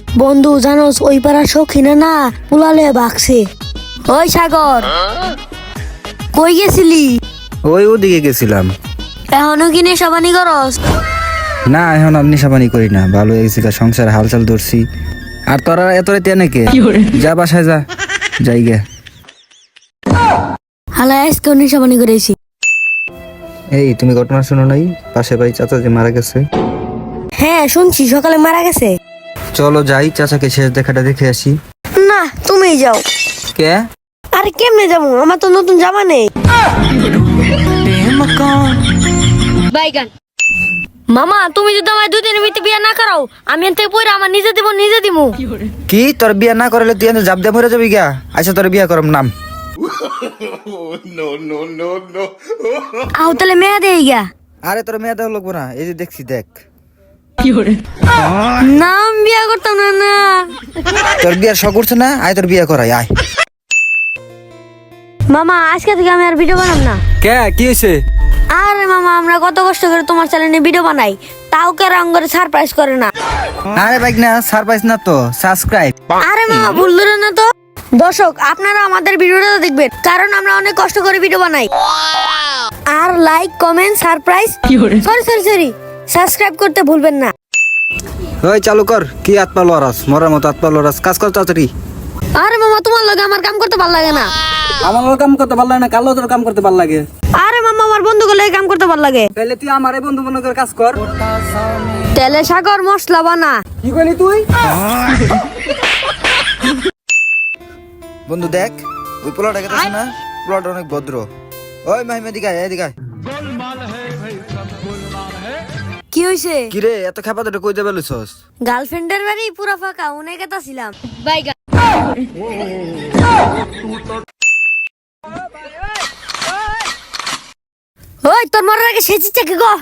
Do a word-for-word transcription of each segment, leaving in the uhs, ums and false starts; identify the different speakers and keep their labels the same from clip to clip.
Speaker 1: বন্ধু জানোস ওই পাড়ার সখিনা না পুলালে বাকছে। ওই সাগর কই গেছিলি?
Speaker 2: ওই ওদিকে গেছিলাম।
Speaker 1: এখনো কি নেশাবানি করস?
Speaker 2: না এখন আর নেশাবানি করি না, ভালো হয়ে গেছি, সংসার হালচাল ধরছি। আর তোরা এত রাতে নাকি যা বাসায় যা যাই গে।
Speaker 1: হালা আজকেও নেশাবানি করেছি।
Speaker 2: এই তুমি ঘটনা শোনো নাই, পাশে বাড়ি চাচা যে মারা গেছে?
Speaker 1: হ্যাঁ শুনছি সকালে মারা গেছে।
Speaker 2: চলো যাই চাচাকে শেষ দেখাটা দেখে আসি।
Speaker 1: না তুমিই যাও।
Speaker 2: কে?
Speaker 1: আরে কেমনে যাবো, আমার তো নতুন জামা নেই। মামা তুমি যদি আমার দুই দিনের ভিতরে বিয়ে না করাও, আমি এর থেকে পরে আমার নিজে দিব নিজে দিমু।
Speaker 2: কি তোর বিয়া না করলে তুই জাব দিয়ে মরে যাবি গা? আচ্ছা তোর বিয়া করম নাম।
Speaker 1: আও তাহলে মেয়ে দেই গা।
Speaker 2: আরে তোর মেয়ে দেওয়া লাগবো না, এই যে দেখছি দেখ।
Speaker 1: নাম বিয়ে করতাম না না।
Speaker 2: তোর বিয়ার শখ উঠছে না, আয় তোর বিয়া করাই আয়।
Speaker 1: মামা আজকে থেকে আমি আর ভিডিও বানাম না।
Speaker 2: কে কি হয়েছে?
Speaker 1: আরে মামা আমরা কত কষ্ট করে তোমার চ্যানেলে ভিডিও বানাই, তাও কে রং করে সারপ্রাইজ করে না।
Speaker 2: আরে বাইক না সারপ্রাইজ না তো সাবস্ক্রাইব।
Speaker 1: আরে মামা ভুল ধরে না তো। দর্শক আপনারা আমাদের ভিডিওটা দেখবেন, কারণ আমরা অনেক কষ্ট করে ভিডিও বানাই। আর like comment surprise sorry sorry sorry subscribe করতে ভুলবেন না।
Speaker 2: ওই চালু কর, কি আত্মা লরাস মরার মতো আত্মা লরাস, কাজ কর তাড়াতাড়ি।
Speaker 1: আরে মামা তোমার লগে আমার কাম করতে ভালো লাগে না।
Speaker 2: আমার কাম করতে ভালো লাগে না, কালো তোর কাম করতে ভালো লাগে।
Speaker 1: আরে মামা আমার বন্ধুগুলো লগে কাম করতে ভালো লাগে।
Speaker 2: তাহলে তুই আমার এই বন্ধু মনে করে কাজ কর।
Speaker 1: তেলে সাগর মশলা বানা।
Speaker 2: কি কইলি তুই? বন্ধু দেখ ওই পোলাটা গেছে না, পোলাটা অনেক ভদ্র। ওই মাহিমা দিঘায় এদিকে আয়।
Speaker 1: কি হইছে?
Speaker 2: কি রে এত খেপা তোটা কই দেবে লইছস?
Speaker 1: গার্লফ্রেন্ডের বাড়ি পুরা ফাঁকা, উনি কথা ছিলাম বাইগা। ওই তোর মরার আগে সেচিচ্ছে কি গো?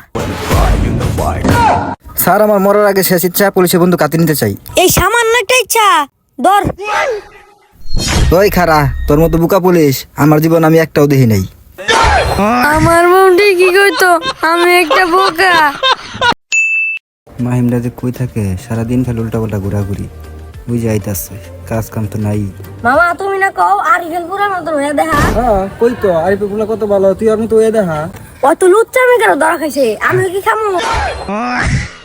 Speaker 2: স্যার আমার মরার আগে শেষ ইচ্ছা পুলিশে বন্ধু কাটি নিতে চাই।
Speaker 1: এই সামান্য একটা ইচ্ছা ধর।
Speaker 2: ওই খারা তোর মতো বুকা পুলিশ আমার জীবন আমি একটাও দেখি নাই।
Speaker 1: আমার বউটি কি কইতো আমি একটা বোকা।
Speaker 2: মাহিমরা যে কই থাকে সারাদিন খালি উল্টা পাল্টা ঘোরাঘুরি, ওই যাইতাছে কাজ কাম তো নাই।
Speaker 1: মামা তুমি না কও আরিফেল পুরার মতন হয়ে দেখা।
Speaker 2: হ্যাঁ কই তো আরিফুল গুলা কত ভালো, তুই আমি তো এ দেখা।
Speaker 1: অত লুচ্চা আমি কেন ধরা খাইছে, আমি কি খামো?